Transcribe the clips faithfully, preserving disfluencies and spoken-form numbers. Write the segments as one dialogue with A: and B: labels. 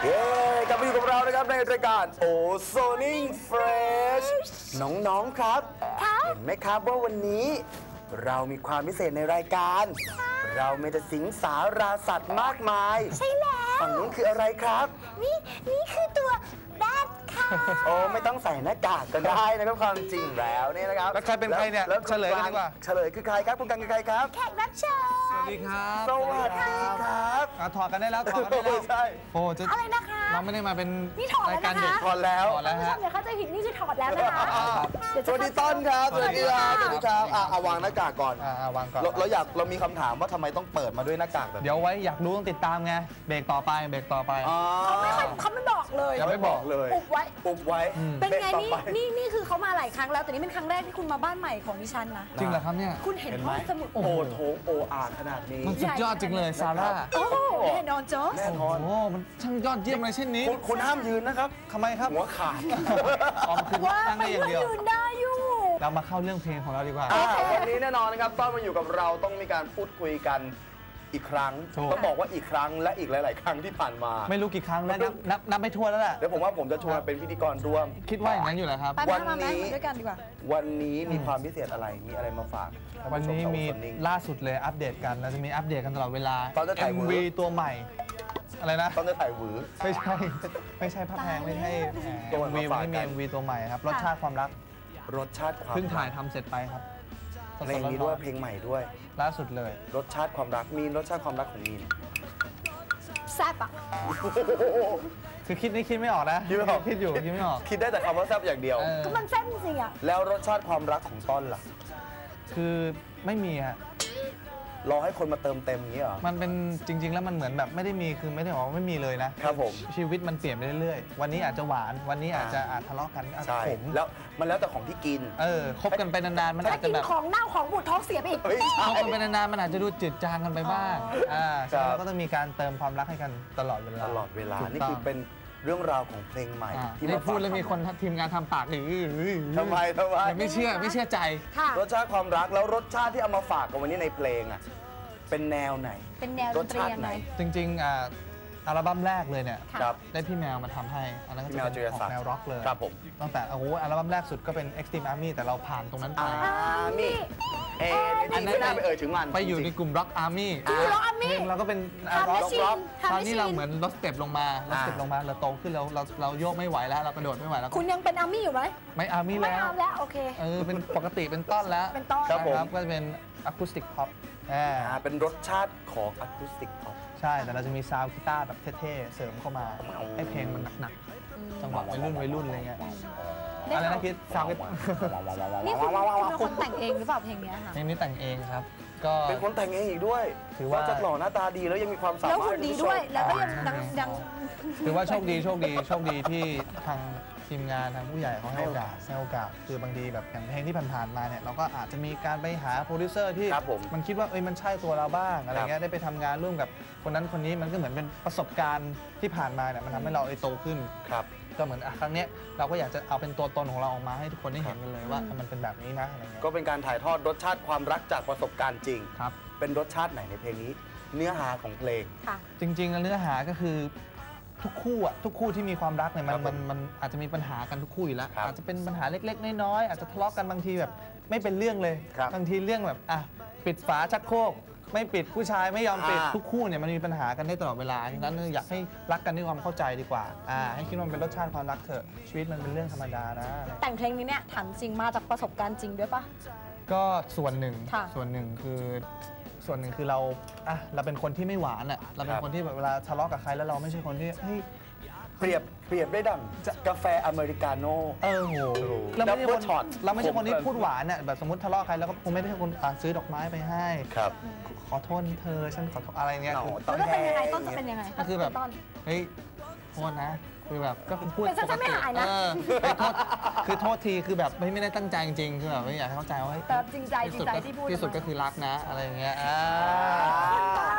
A: เย้กลับมาอยู่กับเรานะครับในรายการโอโซนิ่งเฟรชน้องๆครับเห็นไหมครับว่าวันนี้เรามีความพิเศษในรายการเรามีแต่สิงสาราสัตว์มากมาย
B: ใช่แล้ว
A: ฝั่งนู้นคืออะไรครับ
B: นี่นี่คือตัวแบทค่ะ
A: โอ้ไม่ต้องใส่หน้ากากก็ได้นะครับความจริงแล้วนี่นะครับ
C: แล้วใครเป็นใครเนี่ย
A: แล้ว
C: เฉลยกันดีกว่า
A: เฉลยคือใครครับคุณกันคือใครครับ
B: แขกรับเชิญ
C: สวัสดีครับ
A: สวัสดีครับ
C: ถอดกันได้แล้วถอดกันได้แล้ว
A: ใช่
C: โอ้จะ
B: อะไรนะคะ
C: เราไม่ได้มาเป็น
B: นี่ถอดแล้วนะคะ
C: รายการเด็ก
A: ถอดแล้ว
C: ถอดแล้ว
B: ผู้ช
C: ฮะ
B: มอย่าเข้าใจผิดนี่คือถอดแล้วนะคะเดี๋ยว
A: ส
B: จะ
A: วัสดีต้นครับสวัสดีครับสวัสดีครับอ่ะเอาวางหน้ากากก่อน
C: อ่าวางก่อน
A: เราเราอยากเรามีคำถามว่าทำไมต้องเปิดมาด้วยหน้ากากแบบนี้
C: เดี๋ยวไว้อยากรู้ต้องติดตามไงเบรกต่อไปเบรกต่อไป
B: เขาไม่ค่อยเขาไม่บอกเลย
A: ยังไม่บอกเลย
B: อุบไว้
A: อุบไว้
B: เป็นไง
A: บรก
B: นี่
A: ต่อป
B: นี่นี่คือเขามาหลายครั้งแล้วแต่นี่เป็นครั้งแรกที่คุณมาบ้านใหม่ของดิฉันนะ
C: จริงเหรอครับเนี่ย
B: คุณเห็น
A: เห็น
B: ห้
A: ไหม
B: องสมุด
A: โอ้โหโถงโออ่านขนาดนี้
C: มันสุดยอดจริงเลยซาร่า
B: โอ้แน่นอนโจ๊ก
A: แน่นอน
C: โอ้มันช่างยอดเยี่ยมเลยเช่นนี้
A: คุณคุณห้ามยืนนะครับ
C: ทำไมครับ
A: หัวขาด
C: ออมคือ
B: ว่า
C: นั่ง
B: ไป
C: ได้อย่าง
B: ก็
C: เดียว
B: ยืนได้อยู่
C: เรามาเข้าเรื่องเพลงของเราดีกว่า
A: อ่าวันนี้แน่นอนนะครับต้อนมาอยู่กับเราต้องมีการพูดคุยกันอีกครั้ง
C: ถูก
A: ต้องบอกว่าอีกครั้งและอีกหลาย ๆ ครั้งที่ผ่านมา
C: ไม่รู้กี่ครั้งแล้วนับนับนับไม่ทั่วแล้วแหละ
A: เดี๋ยวผมว่าผมจะชวนเป็นพิธีกรร่วม
C: คิดว่าอย่างนั้นอยู่แหละครับ
B: ไป
A: วั
B: มาน มา
A: นี้
B: มาด้วยกันดีกว่า
A: วันนี้มีความพิเศษอะไรมีอะไรมาฝากท่า
C: วัน
A: ผู้ช
C: นี้
A: ชาว
C: มี
A: โอโซนิ่ง
C: ล่าสุดเลยอัปเดตกันเราจะมีอัปเดตกันตลอดเวลา
A: ตอนจะถ่าย
C: เอ็ม
A: มือ
C: วีตัวใหม่อะไรนะ
A: ต้องจะถ่ายหวือ
C: ไม่ใช่ไม่ใช่พระแพงไม่ใช่
A: ตัว
C: เอ็ม
A: ใหม่
C: วี
A: มา
C: วัน
A: ฝาก
C: นี้
A: กั
C: มี
A: น
C: เอ็มวีตัวใหม่ครับรสชาติความรัก
A: รสชาติความ
C: เพิ่งถ่าย
A: รัก
C: ทำเสร็จไปครับสดๆ
A: เพลงนี้ด้วยเพลงใหม่ด้วย
C: ล่าสุดเลย
A: รสชาติความรักมีนรสชาติความรักของมีน
B: แซ่บอ่ะ
C: คือคิดนี่คิดไม่ออกนะ
A: คิดไม่ออก
C: คิดอยู่คิดไม่ออก
A: คิดได้แต่คำว่าแซ่บอย่างเดียว
C: เออ
B: ก็มันแซ่บจริงๆอ่ะ
A: แล้วรสชาติความรักของต้นล่ะ
C: คือไม่มีฮะ
A: รอให้คนมาเติมเต็มอย่างนี้เหรอ
C: มันเป็นจริง ๆ แล้วมันเหมือนแบบไม่ได้มีคือไม่ได้บอกว่าไม่มีเลยนะครับ
A: ผม
C: ชีวิตมันเปลี่ยนไปเรื่อยๆวันนี้อาจจะหวานวันนี้อาจจะอาจทะเลาะกันอาจจะ
A: ใช่
C: ขม
A: แล้วมันแล้วแต่ของที่กิน
C: เออคบกันไปนานๆมัน
B: ถ้า
C: อาจจะ
B: กิน
C: แบบ
B: ของเน่าของบูดท้องเสียไปอีก
A: เฮ้ยใช่
C: คบกันไปนานๆมันอาจจะดูจืดจางกันไปบ้างอ่า
A: ครั
C: ใช่
A: บ
C: แล้วก็ต้องมีการเติมความรักให้กันตลอดเวลา
A: ตลอดเวลา
C: ถูก
A: นี่
C: ต้ง
A: คือเป็นเรื่องราวของเพลงใหม่
C: อ่า
A: ที่
C: นี่
A: มา
C: พูด
A: ฝาก
C: แล้วมีคนทีมงานทำปากอื้ออื้ออื้อ
A: ทำไมทำไม
C: ไม่เชื่อไม่เชื่อใจ
B: ค่ะ
A: รสชาติความรักแล้วรสชาติที่เอามาฝากกันวันนี้ในเพลงอ่ะเป็นแนวไหน
B: เป็นแนวด
A: ร
B: น
A: ส
B: ตรี
A: ชาติ
B: ยัง
A: ไหน
B: ไง
C: จริงๆอ่าอัลบั้มแรกเลยเนี่ย
B: ค่ะ
A: ครับ
C: ได้พี่แมวมาทำให้อันนั้นก็
A: พี่
C: จะ
A: แมว
C: เป็น
A: จิร
C: ออ
A: ศั
C: ก
A: กดิ์
C: แนวร็อกเลย
A: ครับผม
C: ตั้งแต่โอ้โหอัลบั้มแรกสุดก็เป็น Extreme Army แต่เราผ่านตรงนั้นไป
A: อ่านี่เอ
C: อั
A: อั
C: น
A: น
C: นั้
A: นั้น
C: น
A: ไม่น่าไปเอ่ยถึงมัน
C: ไปอยู่ใน
A: จริง
C: กลุ่ม Rock Army
B: จริงเหรออามี่
C: เพลงเราก็เป็น
B: ทำ
C: ร็
B: แม
C: อก
B: ชชีนทำ
C: ต
B: แม
C: อน
B: ช
C: นี้
B: ชี
C: เรา
B: น
C: เหมือนลดสเต็ปลงมาลดสเต็ปลงมาเราโตขึ้นเราเราเราโยกไม่ไหวแล้วเรากระโดดไม่ไหวแล้ว
B: คุณยังเป็นอามี่อยู่ไหม
C: ไม่อาร์มี่
B: ไม่
C: แล้ว
B: ทำแล้วโอเค
C: เออเป็นปกติเป็นต้นแล้ว
B: เป็นต้น
A: ครับผม
C: นะก็จะเป็นอะคูสติกพ็อปอ่า
A: อ่าเป็นรสชาติของอะคูสติกพ็อป
C: ใช่แต่เราจะมีซาวด์กีตาร์แบบเท่ๆเสริมเข้ามาให้เพลงมันหนักๆจังหวะวัยรุ่นวัยรุ่นอะไรเงี้ย
B: ได้
C: อะไร
B: ข่าว
C: นะคิดซาวด์กีตาร์
B: นี่คุณคุณเป็นคนแต่งเองหรือเปล่าเพลงเนี้ยค่ะ
C: เพลงนี้แต่งเองครับ ก็
A: เป็นคนแต่งเองอีกด้วย
C: ถือว่า
A: นอกจากหล่อหน้าตาดีแล้วยังมีความสา
B: แล้ว
A: มารถ
B: หุ่นดีด้วย แล้วก็ยังยังยัง
C: ถือว่าโชคดีโชคดีโชคดีที่ทางทีมงานทางผู้ใหญ่เขาให้โอกาสให้โอกาสคือบางทีแบบอย่างเพลงที่ผ่านๆมาเนี่ยเราก็อาจจะมีการไปหาโปรดิวเซอร์ที่
A: ครับผม
C: มันคิดว่าเอ้ยมันใช่ตัวเราบ้างอะไร
A: ครับ
C: เงี้ยได้ไปทำงานร่วมกับคนนั้นคนนี้มันก็เหมือนเป็นประสบการณ์ที่ผ่านมาเนี่ยมันทำให้เราเอ้ยโตขึ้น
A: ครับ
C: ก็เหมือนอ่ะครั้งเนี้ยเราก็อยากจะเอาเป็นตัวตนของเราออกมาให้ทุกคนได้เห็นกันเลยว่ามันเป็นแบบนี้นะอะไรเงี้ย
A: ก็เป็นการถ่ายทอดรสชาติความรักจากประสบการณ์จริง
C: ครับ
A: เป็นรสชาติไหนในเพลงนี้ เนื้อหาของเพลง
B: ค่ะ
C: จริงๆแล้วเนื้อหาก็คือทุกคู่อะทุกคู่ที่มีความรักเนี่ยมั
A: ครั
C: น
A: บผม
C: มันมันอาจจะมีปัญหากันทุกคู่อยู่แล้ว
A: ครับ
C: อาจจะเป็นปัญหาเล็กๆน้อยๆอาจจะทะเลาะกันบางทีแบบไม่เป็นเรื่องเลย
A: ครับ
C: บางทีเรื่องแบบอ่ะปิดฝาชักโครกไม่ปิดผู้ชายไม่ยอมปิด
A: อ่า
C: ทุกคู่เนี่ยมันมีปัญหากันได้ตลอดเวลาฉะนั้นอยากให้รักกันด้วยความเข้าใจดีกว่าอ่าให้คิดว่ามันเป็นรสชาติความรักเถอะชีวิตมันเป็นเรื่องธรรมดานะอะไร
B: แต่งเพลงนี้เนี่ยถามจริงมาจากประสบการณ์จริงด้วยปะ
C: ก็ส่วนหนึ่ง
B: ค่ะ
C: ส่วนหนึ่งคือส่วนหนึ่งคือเราอ่ะเราเป็นคนที่ไม่หวานอ่ะเราเป็นคนที่แบบเวลาทะเลาะกับใครแล้วเราไม่ใช่คนที่เฮ้ย
A: เปรียบเปรียบได้ดั่งกาแฟอเมริกาโน่
C: เออโห
A: โอ้โห
C: เราไม่ใช่คน
A: Double shot
C: เราไม่ใช่คนที่
A: ผม
C: พูดหวานอ่ะแบบสมมติทะเลาะใครแล้วก็คงไม่ได้ใช่คนอ่ะซื้อดอกไม้ไปให้
A: ครับ
C: ขอโทษเธอฉันขอโทษอะไรเงี้ย
A: เหงา
C: คือ
A: ต้
B: แล้ว
A: อง
B: จะเป็นยังไง
A: แห้ง
B: ต้นจะเป็นยังไง
C: ก็คือแบบ
B: ต้น
C: เฮ้ยโทษนะคือแบบก็คือพูด
B: แต่ฉันจะไม่หายนะ
C: เออเฮ้ยโทษคือโทษทีคือแบบไม่ไม่ได้ตั้งใจจริงๆคือแบบไม่อยากให้เข้าใจว่าเฮ้ย
B: แต่จริงใจจริงใจที่พูด
C: ที่สุดก็คือรักนะอะไรอย่างเงี้ยอ่า
B: บ้า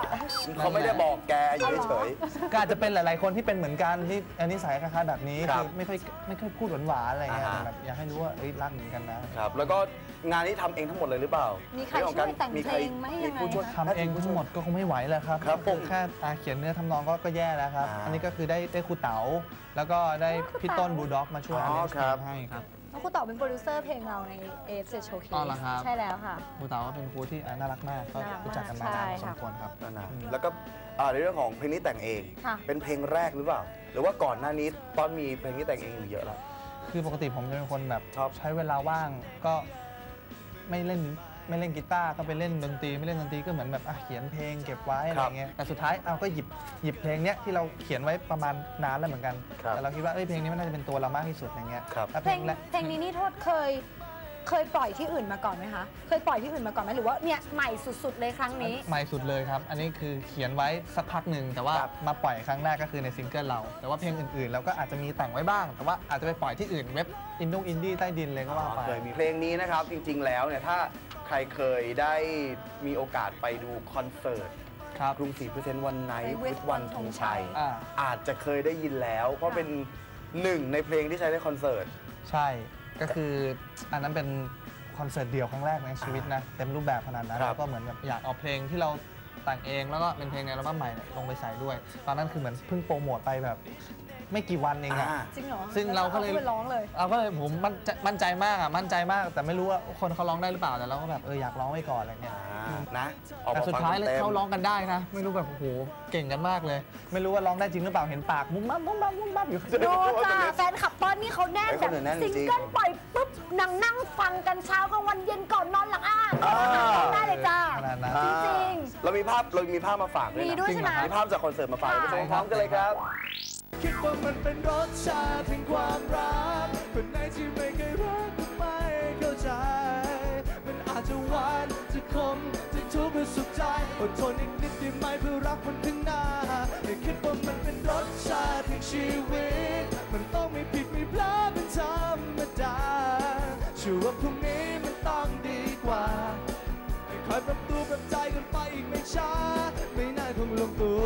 A: เขาไม่ได้บอกแกอยู่เฉย
C: ก็อาจจะเป็นหลาย ๆ คนที่เป็นเหมือนกันที่อันนี้สายคล้ายๆแบบนี้
A: ครับ
C: คือไม่ค่อยไม่ค่อยพูดหวานๆอะไรเงี้ย
A: อ่าฮะ
C: แต่แบบอยากให้รู้ว่าเอ้ยรักเหมือนกันนะ
A: ครับแล้วก็งานนี้ทำเองทั้งหมดเลยหรือเปล่า
B: มี
A: มี
B: ใครช่วยแต่งเพลงไหมยังไง
A: ผู้ช่วย
B: คะ
C: ทำเองทั้งหมดก็คงไม่ไหวแล้วครับ
A: ครับผม
C: แค่อ่าเขียนเนื้อทำนองก็ก็แย่แล้วครับ
A: อ่า
C: อันนี้ก็คือได้ได้ครูเต๋าแล้วก็ได้พี่ต้นบูลด็อกมาช่วย
A: อ๋อ
C: อันนี้
A: ครับ
C: ให้ครับ
B: แล้วครูต่อเป็นโปรดิวเซอร์เพลงเราใน เอ เอฟ เจ็ด Showcase
C: อ๋อเหรอครับ
B: ใช่แล้วค่ะ
C: ครูเต๋าก็เป็นครูที่อ่าน่ารักมากก็
B: น่ารักมาก
C: รู้จักกันมานานพอ
B: ใช่
C: ส
B: ค่ะ
C: มควรครับ
A: นั่นนะ
C: อืม
A: แล้วก็อ่าในเรื่องของเพลงนี้แต่งเอง
B: ค่ะ
A: เป็นเพลงแรกหรือเปล่า หรือว่าก่อนหน้านี้ตอนมีเพลงนี้แต่งเองอยู่เยอะแล้ว
C: คือปกติผมจะเป็นคนแบบ
A: ชอบ
C: ใช้เวลาว่างก็ไม่เล่นไม่เล่นกีตาร์ก็ไปเล่นดนตรีไม่เล่นดนตรีก็เหมือนแบบอ่ะเขียนเพลงเก็บไว้อะไรเงี้ยแต่สุดท้ายเอาก็หยิบหยิบเพลงเนี้ยที่เราเขียนไว้ประมาณนานแล้วเหมือนกัน
A: ครับ
C: แต่เราคิดว่าเอ้ยเพลงนี้มันน่าจะเป็นตัวเรามากที่สุดอย่างเงี้ย
A: ครับ
C: แล้ว
B: เพ
C: เพ
B: ล
C: ล
B: ง
C: งแรก
B: เพลงนี้นี่โทษเคยเคยปล่อยที่อื่นมาก่อนไหมคะ เคยปล่อยที่อื่นมาก่อนไหมหรือว่าเนี่ยใหม่สุดๆเลยครั้งนี้
C: ใหม่สุดเลยครับ อันนี้คือเขียนไว้สักพักหนึ่งแต่ว่า
A: ครับ
C: มาปล่อยครั้งแรกก็คือในซิงเกิลเรา แต่ว่าเพลงอื่นๆเราก็อาจจะมีแต่งไว้บ้าง แต่ว่าอาจจะไปปล่อยที่อื่นเว็บอินดงอินดี้ใต้ดินเลยก็ว่าไป
A: เคยมีเพลงนี้นะครับ จริง ๆ แล้วเนี่ยถ้าใครเคยได้มีโอกาสไปดูคอนเสิร์ต
C: ครับ
A: กรุงศรีพิเศษวันไนท์
B: ไป
A: วิทวันธงชัย
C: อ่า
A: อาจจะเคยได้ยินแล้ว เพราะเป็นหนึ่งในเพลงที่ใช้ในคอนเสิร์ต
C: ใช่ก็คืออันนั้นเป็นคอนเสิร์ตเดียวครั้งแรกในชีวิตนะเต็มรูปแบบขนาดนั้น
A: ครับ
C: แล้วก็เหมือนแบบอยากเอาเพลงที่เราแต่งเองแล้วก็เป็นเพลงในอัลบั้มใหม่เนี่ยลงไปใส่ด้วย ตอนนั้นคือเหมือนเพิ่งโปรโมทไปแบบไม่กี่วันเองอะ
A: อ่า
B: จริงเหรอ
C: ซึ่งเราก็เลย
B: อไปร้องเลย
C: เราก็เลยผมมั่นใจมั่นใจมากอ่ะมั่นใจมาก แต่ไม่รู้ว่าคนเขาร้องได้หรือเปล่าแต่เราก็แบบเอออยากร้องไว้ก่อนอะไรเงี้ย
A: อ่านะออก
C: แต่
A: มา
C: สุด
A: ฟัง
C: ท้ายเลย
A: ต็มๆ
C: เขาร้องกันได้นะไม่รู้แบบโอ้โหเก่งกันมากเลย ไม่รู้ว่าร้องได้จริงหรือเปล่าเห็นปากมุ้งมั่มมุ้งมั่มมุ้งมั่มอยู่
B: โดนจ้าแฟนขับต้นนี่เขาแน่น
A: เฮ้ย
B: แบ
A: เขา
B: บ
A: เหนียวแน่นจริ
B: ซิ
A: ง
B: งเกิลปล่อยปุ๊บนั่งนั่งฟังกันเช้ากลางวันเย็นก่อนนอนหลังอ่าน
A: อ่า
B: ได้เลยจ้า
C: ขนาดนั้น
B: จริง
A: เรามีภาพเรามีภาพมาฝากด้วย
B: มี
A: นะ
B: ด้วยใช่ไหม
A: มีภาพจากคอนเสิร์ตมาฝาก
B: ค่ะ
A: ไปชมพร้อมกันเลยครับ
D: คิดว่ามันเป็นรสชาติแห่งความรักคนไหนที่ไม่เคยรักก็ไม่เข้าใจ มันอาจจะหวานจะขมจะทุกข์หรือสุขใจอดทนอีกนิดได้ไหมเพื่อรักมันข้างหน้าไม่คิดว่ามันเป็นรสชาติแห่งชีวิต มันต้องไม่ผิดไม่พลาดเป็นธรรมดาเชื่อว่าพรุ่งนี้มันต้องดีกว่าให้คอยปรับตัวปรับใจกันไปอีกไม่ช้าไม่นานคงลงตัว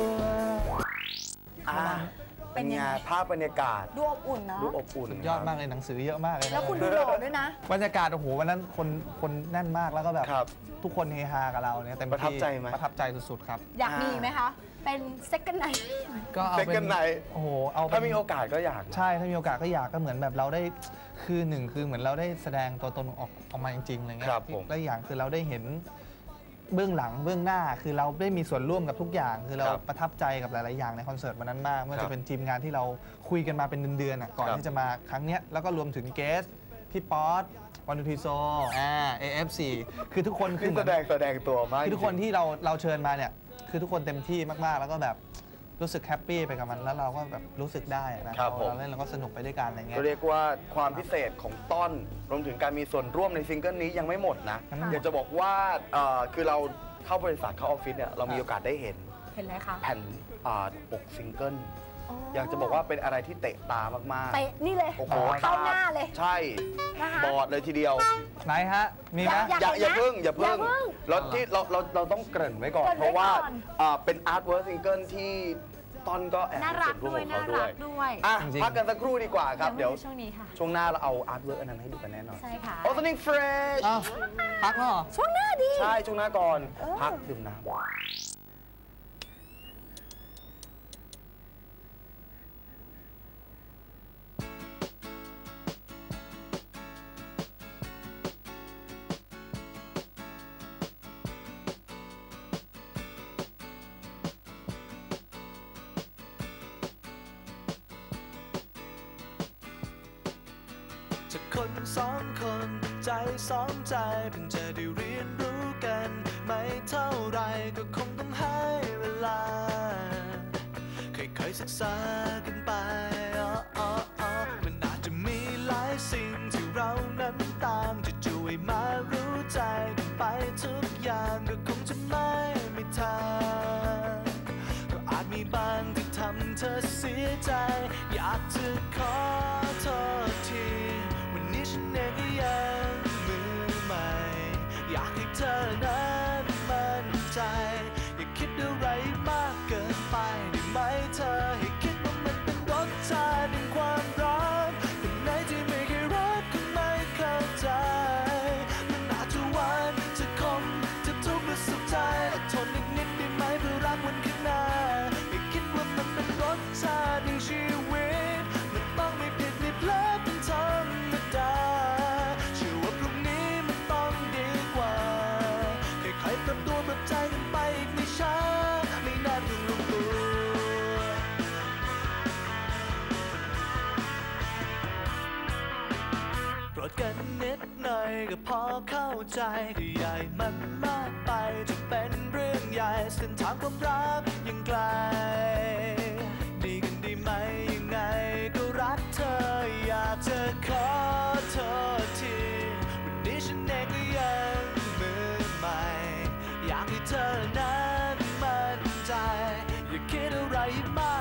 A: อ่า
B: เป็
A: เป็น น
B: ยัง
A: ไง
B: ไง
A: ภาพบรรยากาศ
B: ดูอบอุ่นเนาะ
A: ดูอบอุ่น
C: สุดยอดมากเลยหนังสือเยอะมากเลยนะ
B: แล้วคุณดูหล่อด้วยนะ
C: บรรยากาศโอ้โหวันนั้นคนคนแน่นมากแล้วก็แบบ
A: ครับ
C: ทุกคนเฮฮากับเราเนี่ยเต็มที่
A: ประทับใจไหม
C: ประทับใจสุดๆครับ
B: อยากมีไหมคะ เป็น second night
C: ก็เอาเป็น
A: Second night
C: โอ้โหเอาเป็น
A: ถ้ามีโอกาสก็อยากนะ
C: ใช่ถ้ามีโอกาสก็อยากก็เหมือนแบบเราได้คือหนึ่งคือเหมือนเราได้แสดงตัวตนออกออกมาจริงๆอะไรเงี้
A: ครั
C: ย
A: บผม
C: และอย่างคือเราได้เห็นเบื้องหลังเบื้องหน้า คือเราได้มีส่วนร่วมกับทุกอย่าง คือเรา
A: ครับ
C: ประทับใจกับหลายๆอย่างในคอนเสิร์ตวันนั้นมากไม่ว่า
A: ครับ
C: จะเป็นทีมงานที่เราคุยกันมาเป็นเดือนๆอะก่อน
A: ครับ
C: ที่จะมาครั้งเนี้ยแล้วก็รวมถึงเกสพี่ป๊อตวันดูทีโซอ่า เอ เอฟ ซี คือทุกคนคือ
A: ที่
C: เห
A: แส
C: มือน
A: ดงแสดงตัวมาก
C: คือทุกคนที่เราเราเชิญมาเนี่ยคือทุกคนเต็มที่มากๆ แล้วก็แบบรู้สึกแฮปปี้ไปกับมันแล้วเราก็แบบรู้สึกได้อะนะครับ
A: ผม
C: เราเล่นเราก็สนุกไปด้วยกันอะไรเงี้ย
A: ก็เรียกว่าความพิเศษของต้นรวมถึงการมีส่วนร่วมในซิงเกิลนี้ยังไม่หมดนะ
C: ยังไม่หมด
A: อยากจะบอกว่าเอ่อคือเราเข้าบริษัทเข้าออฟฟิศเนี่ยเรามีโอกาสได้เห็น
B: เห็นไหมคะ
A: แผ่นอ่าปกซิงเกิลอยากจะบอกว่าเป็นอะไรที่เตะตามากๆ
B: เตะนี่เลย
A: โอ้โห
B: เข้าหน้าเลย
A: ใช่
B: นะคะ
A: บอดเลยทีเดียว
C: ไหนฮะ มีไหม
B: อยาก
A: อย่าอย่า
B: เห็นนะ
A: พึ่งอย่าพึ่ง
B: อย่าพึ่ง
A: แล้วที่เราเราเราต้องเกริ่นไว้ก่อน
B: เกริ่นไว้
A: เพราะว่า
B: ก่อน
A: อ่าเป็นอาร์ตเวิร์ซิงเกิลที่ต้นก็แอบ
B: น่า
A: มี
B: รั
A: ส่
B: ก
A: วนร่วม
B: ด้วย
A: ของ
B: น่า
A: เขาด้
B: รั
A: วย
B: กด้วย
A: อ่ะ
C: จริงๆ
A: พักกันสักครู่ดีกว่าครับ เดี๋ยว
B: ช่วงนี้ค่ะ
A: ช่วงหน้าเราเอาอาร์ตเวิร์กอันนั้นให้ดูกันแน่นอน
B: ใช่ค่ะ
A: โอ Opening Fresh
C: อ้าวพักแล้วเหรอ
B: ช่วงหน้าดี
A: ใช่ ช่วงหน้าก่อน
B: เออ
A: พักดื่มน้ำ
D: จากคนสองคนใจสองใจเพิ่งจะได้เรียนรู้กันไม่เท่าไรก็คงต้องให้เวลาค่อยๆศึกษากันไปอ๋ออ๋ออ๋อมันอาจจะมีหลายสิ่งที่เรานั้นต่างจะช่วยมารู้ใจกันไปทุกอย่างก็คงจะไม่มีทางก็อาจมีบางที่ทำเธอเสียใจอยากจะขอโทษทีวันนี้ฉันเองก็ยังมือใหม่อยากให้เธอนั้นมั่นใจอย่าคิดไหมเธอให้คิดว่ามันเป็นรสชาติแห่งความรักคนไหนที่ไม่เคยรักก็ไม่เข้าใจมันอาจจะหวานจะขมจะทุกข์หรือสุขใจอดทนอีกนิดได้ไหมเพื่อรักวันข้างหน้าให้คิดว่ามันเป็นรสชาติแห่งชีวิตมันต้องไม่ผิดไม่พลาดเป็นธรรมดาเชื่อว่าพรุ่งนี้มันต้องดีกว่าค่อยๆปรับตัวปรับใจกันไปอีกไม่ช้าไม่นานถึงลงตัวโปรดกันนิดหน่อยก็พอเข้าใจถ้าใหญ่มันมากไปจะเป็นเรื่องใหญ่เส้นทางความรักยังไกลดีกันดีไหมยังไงก็รักเธออยากจะขอโทษทีวันนี้ฉันเองก็ยังมือใหม่อยากให้เธอนั้นมั่นใจอย่าคิดอะไรมาก